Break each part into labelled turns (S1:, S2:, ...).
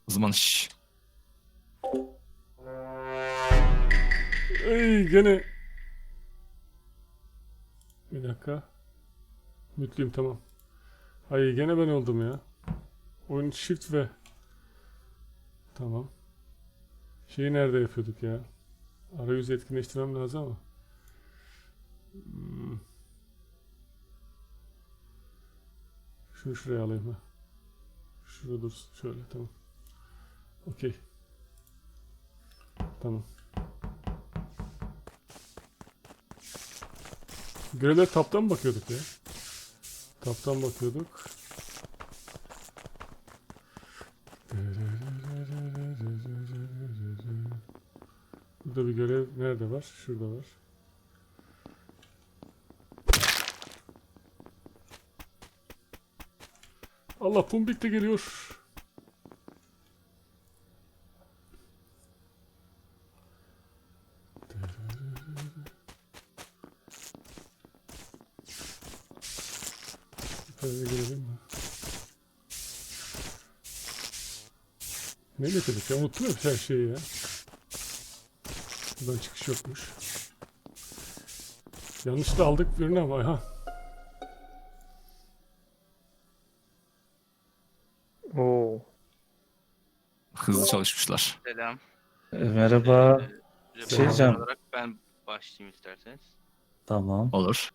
S1: O zaman şş.
S2: Ey gene. Bir dakika. Mutluyum, tamam. Ay gene ben oldum ya. Oyun shift ve. Tamam. Şeyi nerede yapıyorduk ya? Arayüzü etkinleştirmem lazım ama. Şunu şuraya alayım ha. Şurada dursun şöyle, tamam. Okey. Tamam. Görevler taptan mı bakıyorduk ya? Taptan bakıyorduk. Burada bir görev nerede var? Şurada var. Allah, Pumbik de geliyor. Şöyle girelim mi? Ne getirdik ya? Unuttum ya her şeyi ya. Buradan çıkış yokmuş. Yanlış da aldık birini ama ha.
S3: Oo.
S1: Hızlı çalışmışlar.
S4: Selam.
S5: Merhaba.
S4: Reporter
S5: diyeceğim.
S4: olarak ben başlayayım isterseniz.
S5: Tamam.
S1: Olur.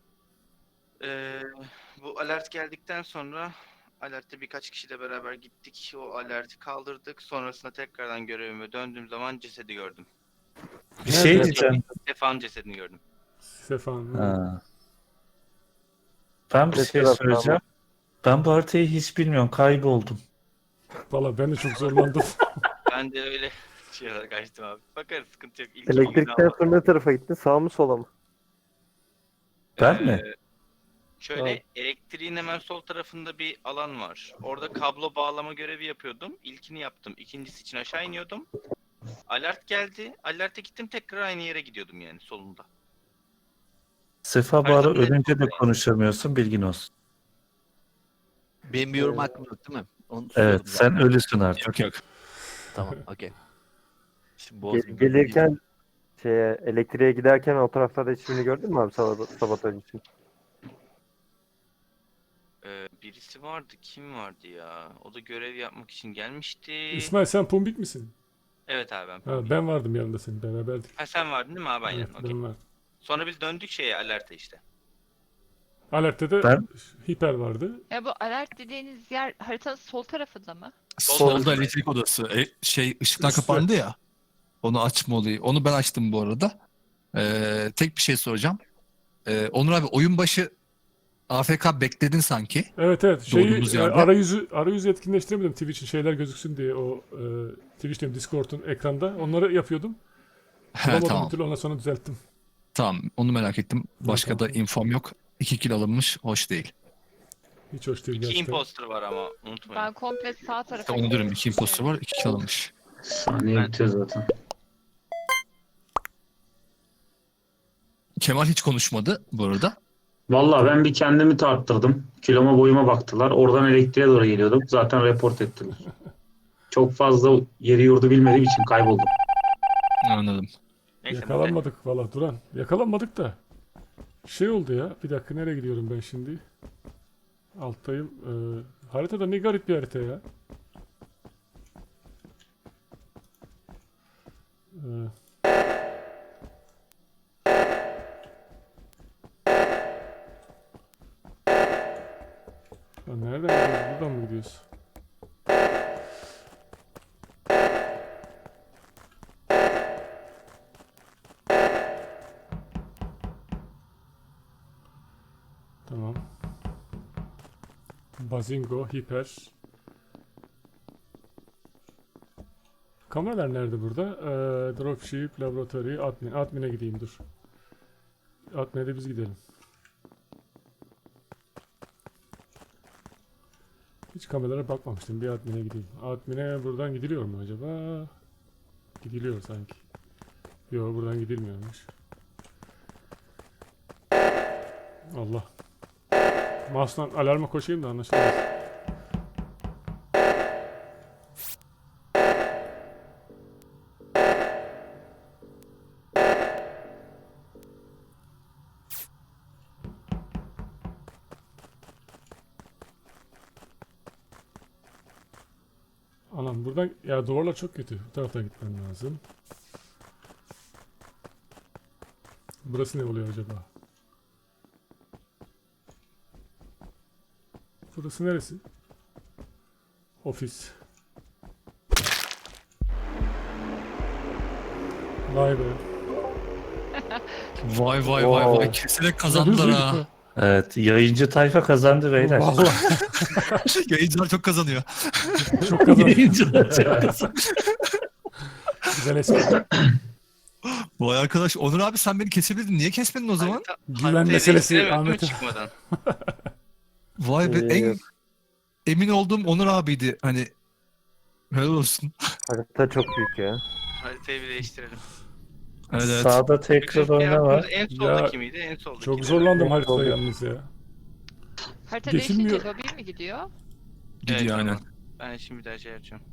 S4: Bu alert geldikten sonra alerte birkaç kişiyle beraber gittik. O alerti kaldırdık. Sonrasında tekrardan görevime döndüğüm zaman cesedi gördüm.
S5: Bir şey diyeceğim.
S4: Sefa'nın cesedini gördüm.
S2: Sefan.
S5: Ha. Ben bir
S3: Ne
S5: şey
S3: taraftan
S5: söyleyeceğim. Ben bu haritayı hiç bilmiyorum. Kayboldum.
S2: Valla ben de çok zorlandım.
S4: Ben de öyle şey olarak açtım abi. Bakarız, sıkıntı yok. İlk
S3: Elektrikten sonra ne tarafa gittin? Sağ mı sola mı?
S5: Ben mi?
S4: Şöyle elektriğin hemen sol tarafında bir alan var. Orada kablo bağlama görevi yapıyordum. İlkini yaptım. İkincisi için aşağı iniyordum. Alert geldi. Alert'e gittim, tekrar aynı yere gidiyordum yani solunda.
S5: Sefa bu
S4: Her
S5: ara
S4: zaman
S5: ölünce de
S4: yani.
S5: konuşamıyorsun, bilgin olsun.
S6: Benim bir yorum hakkım yok değil mi? Onu
S5: Evet,
S6: soruyordum
S5: sen
S6: zaten.
S5: ölüsün artık.
S1: Yok yok.
S6: Tamam, okey. Şimdi bozmayayım.
S3: Gelirken elektriğe giderken o taraflarda hiçbirini gördün mü abi sabotaj için?
S4: Birisi vardı. Kim vardı ya? O da görev yapmak için gelmişti.
S2: İsmail, sen Pumbik misin?
S4: Evet abi, ben.
S2: Ha, ben vardım yanında, senin beraberdik.
S4: Ha, sen vardın değil mi abi? Aynen.
S2: Evet,
S4: Okey.
S2: ben vardım.
S4: Sonra biz döndük şeye, alerte işte.
S2: Alert'te de
S5: Ben-
S2: hiper vardı.
S7: Ya bu alert dediğiniz yer haritanın sol tarafında mı?
S1: Solda elektrik odası. Işıklar
S2: Üstte.
S1: kapandı ya. Onu açma olayı. Onu ben açtım bu arada. Tek bir şey soracağım. Onur abi, oyun başı AFK bekledin sanki.
S2: Evet evet.
S1: Doğduğumuz yerde.
S2: Arayüzü etkinleştiremedim Twitch'in şeyler gözüksün diye, o Twitch diyorum, Discord'un ekranda. Onları yapıyordum.
S1: He,
S2: Bulamadım
S1: tamam.
S2: bir türlü, ondan sonra düzelttim.
S1: Tamam. Onu merak ettim. Başka da
S2: Tamam.
S1: infom yok. 2 kill alınmış. Hoş değil.
S2: Hiç hoş değil
S4: İki
S2: gerçekten.
S4: imposter var ama unutmayın.
S7: Ben komple sağ tarafa
S1: İşte onu diyorum. 2 imposter var. 2 kill alınmış.
S5: Saniye bitiyor zaten.
S1: Kemal hiç konuşmadı bu arada.
S8: Vallahi ben bir kendimi tarttırdım. Kiloma boyuma baktılar. Oradan elektriğe doğru geliyordum. Zaten report ettiler. Çok fazla yeri yurdu bilmediğim için kayboldum.
S1: Anladım.
S4: Neyse,
S2: Yakalanmadık valla Duran. Yakalanmadık da. Şey oldu ya. Bir dakika, nereye gidiyorum ben şimdi? Alttayım. Haritada ne garip bir harita ya. Ya nereden gidiyoruz? Buradan mı gidiyoruz? Tamam. Bazingo, hiper. Kameralar nerede burada? Dropship, laboratuvarı, admin. Admin'e gideyim, dur. Admin'e de biz gidelim. Hiç kameralara bakmamıştım. Bir admin'e gideyim. Admin'e buradan gidiliyor mu acaba? Gidiliyor sanki. Yok, buradan gidilmiyormuş. Allah. Mouse'dan alarma koşayım da anlaşılmaz. Anam buradan ya duvarlar çok kötü. Bu taraftan gitmem lazım. Burası ne oluyor acaba? Burası neresi? Ofis. Vay be.
S1: Vay vay vay vay.
S3: Wow.
S1: Keserek kazandılar ha.
S5: Evet, yayıncı tayfa kazandı beyler.
S2: Vallahi
S1: Yayıncılar çok kazanıyor.
S2: çok kazandı.
S5: Yayıncılar çok kazandı.
S2: Güzel espri.
S1: Vay arkadaş. Onur abi sen beni kesebilirdin. Niye kesmedin o zaman?
S2: Güven
S4: haritayı
S2: meselesi
S4: değiştiremedim
S2: Ahmet'im.
S4: çıkmadan.
S1: Vay be. En emin olduğum Onur abiydi. Hani helal olsun.
S3: Harita çok büyük ya.
S4: Haritayı bir değiştirelim.
S1: Evet, evet.
S5: Sağda tekrar
S4: Bütün
S5: oyna var.
S4: En soldaki miydi? En soldaki.
S2: Çok zorlandım
S3: Evet,
S2: haritada
S3: oldu.
S2: yalnız ya.
S7: Harita
S2: Geçilmiyor.
S7: değişince lobi mi gidiyor?
S1: Gidiyor aynen.
S4: Ben şimdi bir daha şey yapacağım.